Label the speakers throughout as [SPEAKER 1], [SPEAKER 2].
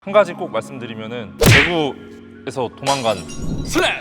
[SPEAKER 1] 한 가지 꼭 말씀드리면은 대구에서 도망간
[SPEAKER 2] 슬램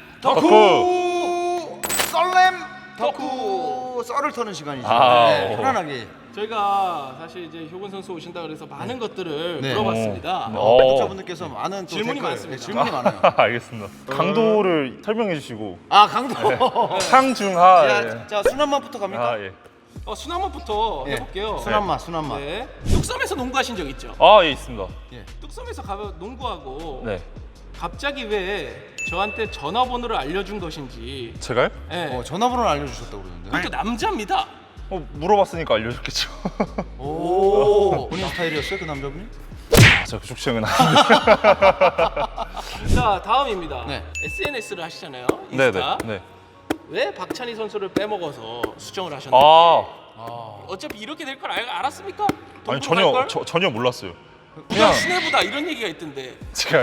[SPEAKER 1] 덕후!
[SPEAKER 3] 썰렘 덕후 썰을 터는 시간이죠.
[SPEAKER 1] 아,
[SPEAKER 3] 네,
[SPEAKER 1] 오.
[SPEAKER 3] 편안하게.
[SPEAKER 2] 저희가 사실 이제 효근 선수 오신다 그래서 많은 것들을
[SPEAKER 3] 네.
[SPEAKER 2] 물어봤습니다.
[SPEAKER 3] 구독자분들께서 많은 또
[SPEAKER 2] 질문이
[SPEAKER 3] 댓글,
[SPEAKER 2] 많습니다.
[SPEAKER 3] 네, 질문이 많아요.
[SPEAKER 1] 알겠습니다. 강도를 설명해 주시고
[SPEAKER 3] 아 강도.
[SPEAKER 1] 상중하. 예.
[SPEAKER 3] 자 순한맛부터 갑니까?
[SPEAKER 1] 아 예.
[SPEAKER 2] 순한맛부터
[SPEAKER 3] 예.
[SPEAKER 2] 해볼게요.
[SPEAKER 3] 순한맛, 순한맛.
[SPEAKER 2] 네. 뚝섬에서 농구하신 적 있죠?
[SPEAKER 1] 아 예 있습니다.
[SPEAKER 3] 예.
[SPEAKER 2] 뚝섬에서 가서 농구하고
[SPEAKER 1] 네.
[SPEAKER 2] 갑자기 왜 저한테 전화번호를 알려준 것인지.
[SPEAKER 1] 제가요?
[SPEAKER 2] 네.
[SPEAKER 3] 전화번호를 알려주셨다고 그러는데.
[SPEAKER 2] 그것도 남자입니다.
[SPEAKER 1] 물어봤으니까 알려줬겠죠.
[SPEAKER 3] 오. 본인 스타일이었어요 그 남자분이?
[SPEAKER 1] 아, 저 그쪽 취향은 아닌데.
[SPEAKER 2] 자 다음입니다.
[SPEAKER 3] 네.
[SPEAKER 2] SNS를 하시잖아요.
[SPEAKER 1] 네네.
[SPEAKER 2] 인스타.
[SPEAKER 1] 네.
[SPEAKER 2] 왜 박찬희 선수를 빼먹어서 수정을 하셨는지.
[SPEAKER 1] 아
[SPEAKER 2] 어차피 이렇게 될 걸 알았습니까?
[SPEAKER 1] 아니
[SPEAKER 2] 동부로 갈 걸?
[SPEAKER 1] 전혀 몰랐어요.
[SPEAKER 2] 그냥 시내보다 이런 얘기가 있던데.
[SPEAKER 1] 제가요?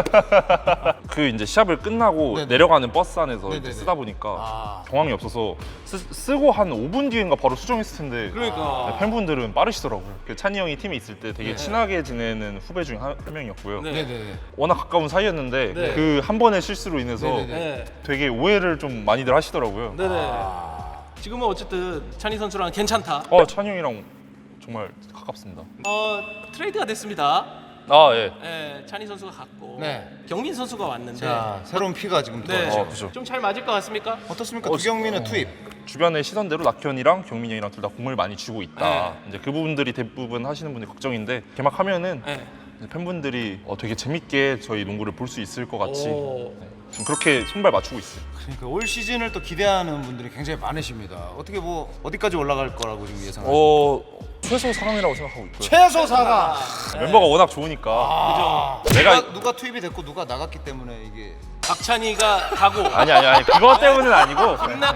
[SPEAKER 1] 그 이제 시합을 끝나고
[SPEAKER 3] 네네.
[SPEAKER 1] 내려가는 버스 안에서 이제
[SPEAKER 3] 네네네.
[SPEAKER 1] 쓰다 보니까
[SPEAKER 3] 아.
[SPEAKER 1] 경황이 없어서 쓰고 한 5분 뒤인가 바로 수정했을 텐데
[SPEAKER 2] 그러니까.
[SPEAKER 1] 네, 팬분들은 빠르시더라고요. 그 찬이 형이 팀에 있을 때 되게
[SPEAKER 3] 네.
[SPEAKER 1] 친하게 지내는 후배 중에 한 명이었고요.
[SPEAKER 2] 네.
[SPEAKER 3] 네네네.
[SPEAKER 1] 워낙 가까운 사이였는데
[SPEAKER 2] 네.
[SPEAKER 1] 그 한 번의 실수로 인해서
[SPEAKER 3] 네네네.
[SPEAKER 2] 네.
[SPEAKER 1] 되게 오해를 좀 많이들 하시더라고요.
[SPEAKER 2] 네네. 지금은 어쨌든 찬희 선수랑 괜찮다.
[SPEAKER 1] 찬이 형이랑 정말 가깝습니다.
[SPEAKER 2] 트레이드가 됐습니다.
[SPEAKER 1] 아 예.
[SPEAKER 2] 네, 찬희 선수가 갔고
[SPEAKER 3] 네.
[SPEAKER 2] 경민 선수가 왔는데.
[SPEAKER 3] 자 새로운 피가 지금
[SPEAKER 2] 네.
[SPEAKER 3] 들어왔죠.
[SPEAKER 1] 그죠.
[SPEAKER 2] 좀 잘 맞을 것 같습니까?
[SPEAKER 3] 어떻습니까? 두경민의 투입.
[SPEAKER 1] 주변의 시선대로 낙현이랑 경민이 형이랑 둘 다 공을 많이 주고 있다.
[SPEAKER 2] 네.
[SPEAKER 1] 이제 그 부분들이 대부분 하시는 분이 걱정인데 개막하면은
[SPEAKER 2] 네.
[SPEAKER 1] 이제 팬분들이 되게 재밌게 저희 농구를 볼 수 있을 것 같이
[SPEAKER 2] 오.
[SPEAKER 1] 지금 그렇게 손발 맞추고 있어요.
[SPEAKER 3] 그러니까 올 시즌을 또 기대하는 분들이 굉장히 많으십니다. 어떻게 뭐 어디까지 올라갈 거라고 지금 예상하세요?
[SPEAKER 1] 최소 4강이라고 생각하고 있고요.
[SPEAKER 3] 최소 4강.
[SPEAKER 1] 멤버가 워낙 좋으니까
[SPEAKER 3] 누가 투입이 됐고 누가 나갔기 때문에 이게
[SPEAKER 2] 박찬희가 가고.
[SPEAKER 1] 아니 그것 때문은 아니고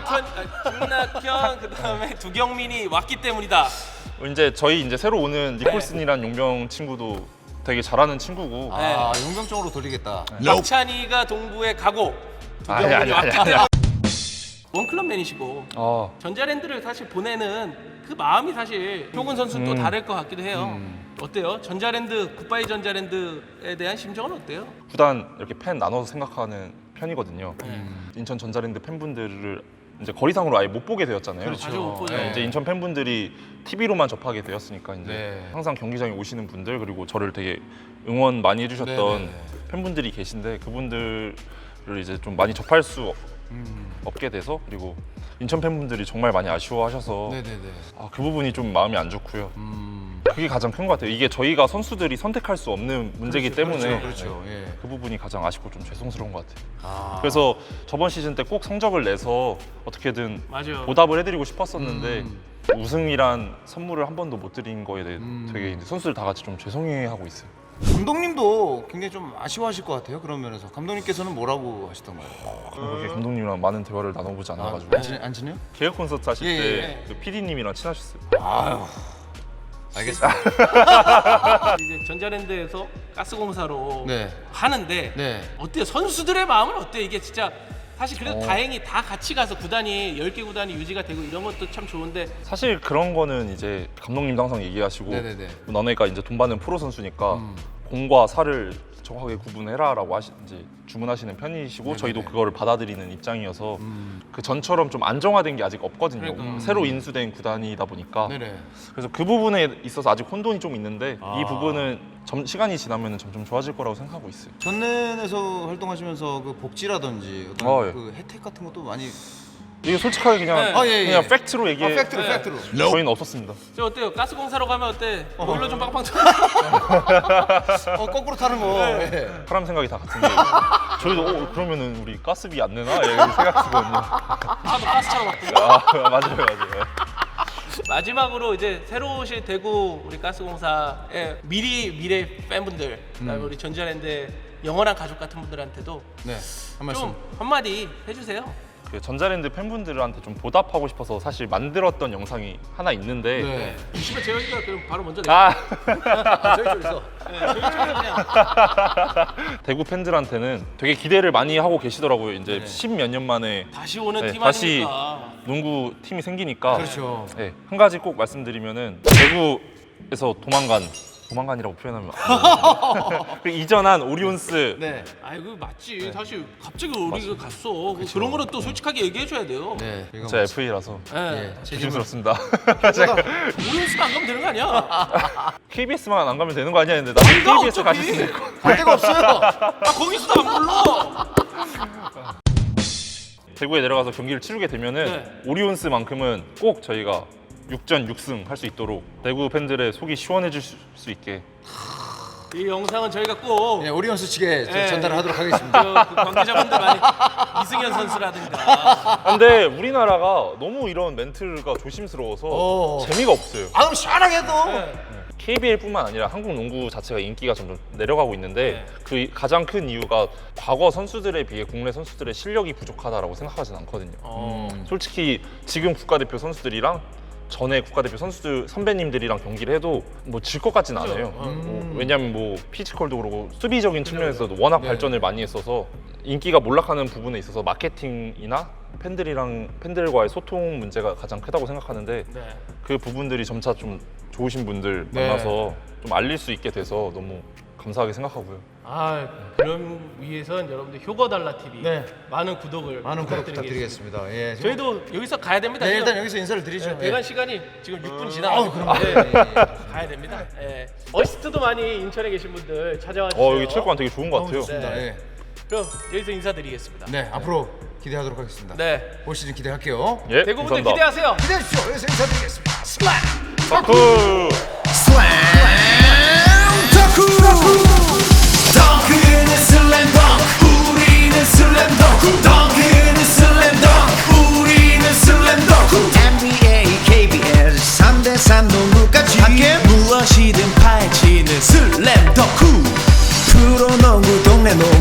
[SPEAKER 2] 김낙현 그다음에 두경민이 왔기 때문이다.
[SPEAKER 1] 이제 저희 이제 새로 오는 니콜슨이란 용병 친구도 되게 잘하는 친구고
[SPEAKER 3] 용병적으로 돌리겠다.
[SPEAKER 2] 박찬희가 동부에 가고
[SPEAKER 1] 아니,
[SPEAKER 2] 두경민이
[SPEAKER 1] 아니,
[SPEAKER 2] 왔기
[SPEAKER 1] 아니,
[SPEAKER 2] 때문에. 원클럽맨이시고
[SPEAKER 1] 아,
[SPEAKER 2] 전자랜드를 사실 보내는 그 마음이 사실 효근 선수는 또 다를 것 같기도 해요. 어때요? 전자랜드 굿바이 전자랜드에 대한 심정은 어때요?
[SPEAKER 1] 구단 이렇게 팬 나눠서 생각하는 편이거든요. 인천 전자랜드 팬분들을 이제 거리상으로 아예 못 보게 되었잖아요.
[SPEAKER 3] 그렇죠.
[SPEAKER 2] 자주 못 보죠.
[SPEAKER 1] 네, 이제 인천 팬분들이 TV로만 접하게 되었으니까 이제
[SPEAKER 3] 네.
[SPEAKER 1] 항상 경기장에 오시는 분들 그리고 저를 되게 응원 많이 해주셨던
[SPEAKER 3] 네네네.
[SPEAKER 1] 팬분들이 계신데 그분들을 이제 좀 많이 접할 수 없게 돼서 그리고 인천 팬분들이 정말 많이 아쉬워하셔서
[SPEAKER 3] 네네네.
[SPEAKER 1] 그 부분이 좀 마음이 안 좋고요. 그게 가장 큰 것 같아요. 이게 저희가 선수들이 선택할 수 없는 문제이기 때문에
[SPEAKER 3] 그렇죠.
[SPEAKER 1] 네,
[SPEAKER 3] 예.
[SPEAKER 1] 그 부분이 가장 아쉽고 좀 죄송스러운 것 같아요.
[SPEAKER 3] 그래서
[SPEAKER 1] 그래서 저번 시즌 때 꼭 성적을 내서 어떻게든
[SPEAKER 2] 맞아요.
[SPEAKER 1] 보답을 해드리고 싶었었는데 우승이란 선물을 한 번도 못 드린 거에 대해 되게 이제 선수들 다 같이 좀 죄송해하고 있어요.
[SPEAKER 3] 감독님도 굉장히 좀 아쉬워하실 것 같아요. 그런 면에서 감독님께서는 뭐라고 하시던가요?
[SPEAKER 1] 그렇게 감독님이랑 많은 대화를 나눠보지 않아가지고
[SPEAKER 3] 안 친해요?
[SPEAKER 1] 개혁 콘서트 하실
[SPEAKER 3] 예,
[SPEAKER 1] 때 그 PD님이랑 친하셨어요.
[SPEAKER 3] 아유. 알겠습니다.
[SPEAKER 2] 이제 전자랜드에서 가스공사로
[SPEAKER 3] 네.
[SPEAKER 2] 하는데
[SPEAKER 3] 네.
[SPEAKER 2] 어때요? 선수들의 마음은 어때요? 이게 진짜 사실 그래도 다행히 다 같이 가서 구단이 10개 구단이 유지가 되고 이런 것도 참 좋은데
[SPEAKER 1] 사실 그런 거는 이제 감독님도 항상 얘기하시고
[SPEAKER 3] 네네네.
[SPEAKER 1] 너네가 이제 돈 받는 프로 선수니까 공과 사를 정확하게 구분해라라고 이제 주문하시는 편이시고
[SPEAKER 3] 네네네.
[SPEAKER 1] 저희도 그거를 받아들이는 입장이어서 그 전처럼 좀 안정화된 게 아직 없거든요.
[SPEAKER 2] 그러니까.
[SPEAKER 1] 새로 인수된 구단이다 보니까
[SPEAKER 3] 네네.
[SPEAKER 1] 그래서 그 부분에 있어서 아직 혼돈이 좀 있는데 이 부분은 시간이 지나면 점점 좋아질 거라고 생각하고 있어요.
[SPEAKER 3] 전nen에서 활동하시면서 그 복지라든지 어떤
[SPEAKER 1] 예.
[SPEAKER 3] 그 혜택 같은 것도 많이
[SPEAKER 1] 이게 솔직하게 그냥
[SPEAKER 2] 네.
[SPEAKER 3] 예, 예.
[SPEAKER 1] 그냥 팩트로 얘기해.
[SPEAKER 3] 팩트로
[SPEAKER 2] 네.
[SPEAKER 3] 팩트로.
[SPEAKER 1] 저희는 없었습니다.
[SPEAKER 2] 저 어때요? 가스공사로 가면 어때? 보일러 좀 빵빵 쳐.
[SPEAKER 3] 거꾸로 타는 거. 예.
[SPEAKER 1] 사람 생각이 다 같은데 저희도 그러면은 우리 가스비 안 내나? 이렇게 생각했거든요.
[SPEAKER 2] 너 가스차로 왔군요.
[SPEAKER 1] 맞아요.
[SPEAKER 2] 마지막으로 이제 새로 오실 대구 우리 가스공사의 미래 팬분들 그다음에 우리 전자랜드 영원한 가족 같은 분들한테도
[SPEAKER 3] 네. 한 말씀.
[SPEAKER 2] 좀 한마디 해주세요.
[SPEAKER 1] 그 전자랜드 팬분들한테 좀 보답하고 싶어서 사실 만들었던 영상이 하나 있는데
[SPEAKER 3] 네.
[SPEAKER 2] 이시면 재혁이가 그럼 바로 먼저 내.
[SPEAKER 3] 저희 쪽에서.
[SPEAKER 2] 저희 쪽에서 그냥.
[SPEAKER 1] 대구 팬들한테는 되게 기대를 많이 하고 계시더라고요. 이제
[SPEAKER 3] 네.
[SPEAKER 1] 10몇 년 만에
[SPEAKER 2] 다시 오는
[SPEAKER 1] 네,
[SPEAKER 2] 팀
[SPEAKER 1] 다시
[SPEAKER 2] 아닙니까?
[SPEAKER 1] 농구 팀이 생기니까
[SPEAKER 3] 그렇죠.
[SPEAKER 1] 네, 한 가지 꼭 말씀드리면은 대구에서 도망간 조만간이라고 표현하면 안 돼요. 그리고 이전한 오리온스
[SPEAKER 3] 네.
[SPEAKER 2] 아이고 맞지. 사실 갑자기 우리가 갔어. 뭐 그런 거는 또 솔직하게 얘기해줘야 돼요.
[SPEAKER 3] 네. 이거
[SPEAKER 1] 제가 FA라서
[SPEAKER 2] 예.
[SPEAKER 1] 조심스럽습니다.
[SPEAKER 2] 오리온스는 안 가면 되는 거 아니야?
[SPEAKER 1] KBS만 안 가면 되는 거 아니야 했는데 나도
[SPEAKER 2] 가,
[SPEAKER 1] KBS 가실 수
[SPEAKER 2] 어차피.
[SPEAKER 1] 있을 거.
[SPEAKER 3] 갈 데가 없어요.
[SPEAKER 2] 아 거기서도 안 불러.
[SPEAKER 1] 대구에 내려가서 경기를 치르게 되면은
[SPEAKER 2] 네.
[SPEAKER 1] 오리온스만큼은 꼭 저희가 6전 6승 할 수 있도록 대구 팬들의 속이 시원해질 수 있게
[SPEAKER 2] 이 영상은 저희가 꼭
[SPEAKER 3] 네, 오리온스 측에
[SPEAKER 2] 네.
[SPEAKER 3] 전달을 하도록 하겠습니다.
[SPEAKER 2] 그 관계자분들 많이 이승현 선수라든가
[SPEAKER 1] 근데 우리나라가 너무 이런 멘트가 조심스러워서
[SPEAKER 3] 어.
[SPEAKER 1] 재미가 없어요.
[SPEAKER 3] 아 그럼 시원하게 해도.
[SPEAKER 2] 네.
[SPEAKER 1] KBL뿐만 아니라 한국 농구 자체가 인기가 점점 내려가고 있는데
[SPEAKER 2] 네.
[SPEAKER 1] 그 가장 큰 이유가 과거 선수들에 비해 국내 선수들의 실력이 부족하다라고 생각하진 않거든요. 솔직히 지금 국가대표 선수들이랑 전에 국가대표 선수들 선배님들이랑 경기를 해도 뭐 질 것 같진 않아요. 왜냐하면 뭐 피지컬도 그렇고 수비적인 측면에서도 워낙
[SPEAKER 3] 네.
[SPEAKER 1] 발전을 많이 했어서 인기가 몰락하는 부분에 있어서 마케팅이나 팬들과의 소통 문제가 가장 크다고 생각하는데
[SPEAKER 2] 네.
[SPEAKER 1] 그 부분들이 점차 좀 좋으신 분들
[SPEAKER 3] 네.
[SPEAKER 1] 만나서 좀 알릴 수 있게 돼서 너무 감사하게 생각하고요.
[SPEAKER 2] 아 그럼 위해선 여러분들 효거달라 TV
[SPEAKER 3] 네.
[SPEAKER 2] 많은 구독을
[SPEAKER 3] 많은 구독
[SPEAKER 2] 부탁드리겠습니다.
[SPEAKER 3] 부탁드리겠습니다. 예.
[SPEAKER 2] 저희도 여기서 가야 됩니다.
[SPEAKER 3] 네,
[SPEAKER 2] 지금.
[SPEAKER 3] 일단 여기서 인사를 드리죠.
[SPEAKER 2] 네, 대관 시간이 지금 6분
[SPEAKER 3] 아,
[SPEAKER 2] 지나가고
[SPEAKER 3] 그럼
[SPEAKER 2] 네, 가야 됩니다. 예. 어시스트도 많이 인천에 계신 분들 찾아와 주세요.
[SPEAKER 1] 여기 체육관 되게 좋은 것 같아요.
[SPEAKER 3] 좋습니다.
[SPEAKER 2] 네.
[SPEAKER 3] 예.
[SPEAKER 2] 그럼 여기서 인사드리겠습니다.
[SPEAKER 3] 네, 앞으로 기대하도록 하겠습니다.
[SPEAKER 2] 네.
[SPEAKER 3] 올 시즌 기대할게요.
[SPEAKER 1] 예,
[SPEAKER 2] 대구분들
[SPEAKER 1] 감사합니다.
[SPEAKER 2] 기대하세요.
[SPEAKER 3] 기대해 주십시오. 여기서 인사드리겠습니다. 슬램!
[SPEAKER 1] 사쿠!
[SPEAKER 4] 덩크는 슬램덩크 우리는 슬램덩크 덩크는 슬램덩크 우리는 슬램덩크 NBA, KBS 3대3 농구까지 함께 무엇이든 파헤치는 슬램덩크 프로농구 동네 농구